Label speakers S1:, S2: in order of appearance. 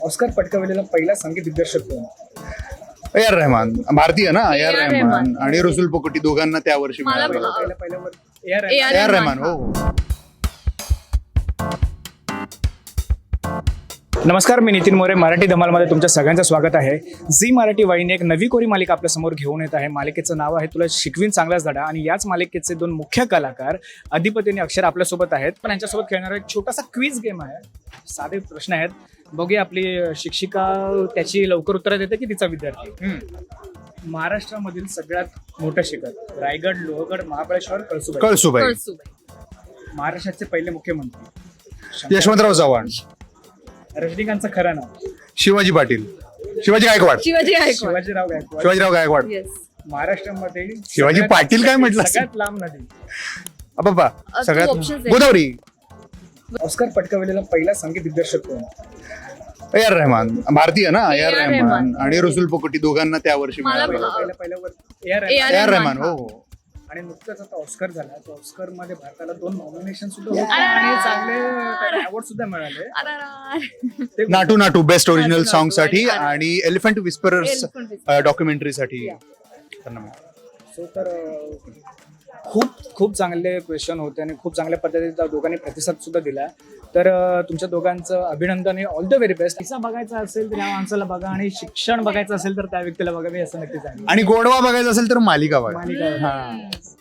S1: Oscar पटकावलेला पहिला संगीत दिग्दर्शक कोण?
S2: ए आर रहमान, भारतीय ना. ए आर रहमान आणि रसूल पोकटी दोघांना त्या वर्षी
S3: मला
S2: मिळालं.
S1: पहिल्या
S3: A.R.
S2: A R Rahman. हो.
S1: नमस्कार, मी नितीन मोरे. मराठी धमालमध्ये तुमच्या सगळ्यांचं स्वागत आहे. झी मराठी वाहिनी एक नवी कोरी मालिका आपल्या समोर घेऊन येत आहे. मालिकेचं नाव आहे तुला शिकवीन चांगलाच धडा आणि याच मालिकेचे दोन मुख्य कलाकार अधिपती आणि अक्षर आपल्यासोबत आहेत. पण यांच्यासोबत खेळणारा एक छोटासा क्विज गेम आहे. साधे प्रश्न आहेत. बघूया आपली शिक्षिका त्याची लवकर उत्तरं देते की तिचा विद्यार्थी. महाराष्ट्रामधील सगळ्यात मोठं शिखर रायगड, लोहगड, महाबळेश्वर, कळसुबाई.
S2: कळसुबाई.
S1: महाराष्ट्राचे पहिले मुख्यमंत्री
S2: यशवंतराव चव्हाण.
S1: रजनीकांतचं खरं नाव
S2: शिवाजी पाटील. शिवाजी गायकवाड.
S1: शिवाजीराव गायकवाड.
S2: शिवाजीराव गायकवाड.
S1: महाराष्ट्रामध्ये
S2: शिवाजी
S1: सगळ्यात-
S2: पाटील काय म्हटलं?
S1: सगळ्यात लांब नदी.
S2: बाबा
S3: तू
S2: सगळ्यात
S3: options दे.
S2: गोदावरी.
S1: ऑस्कर पटकावलेला पहिला संगीत दिग्दर्शक कोण?
S2: ए आर रहमान, भारतीय ना. A R
S3: A.R.
S2: Rahman
S3: Rahman.
S2: आणि रसूल पोकटी दोघांना त्या वर्षी
S3: मला
S2: मिळालं.
S1: पहिल्या
S3: A.R.
S2: A R Rahman. हो.
S1: आणि नुकताच आता ऑस्कर झाला. तो ऑस्कर मध्ये भारताला 2 नॉमिनेशन सुद्धा होते आणि चांगले अवॉर्ड सुद्धा मिळाले. ते
S2: नाटू नाटू बेस्ट ओरिजिनल
S3: नाटू
S2: सॉन्ग साठी
S3: आणि
S2: आणि elephant whisperers
S3: Elephant Whisperers.
S2: Documentary साठी त्यांना मिळालं.
S1: सो तर खूप चांगले क्वेश्चन होते आणि खूप चांगल्या पद्धतीने दोघांनी प्रतिसाद सुद्धा दिला. तर तुमच्या दोघांचं अभिनंदन आणि ऑल द व्हेरी बेस्ट. पैसा बघायचा असेल तर या माणसाला बघा आणि शिक्षण बघायचं असेल तर त्या व्यक्तीला बघा. मी असं नक्की सांगेन.
S2: आणि गोडवा बघायचा असेल तर मालिका बघा.
S1: मालिका.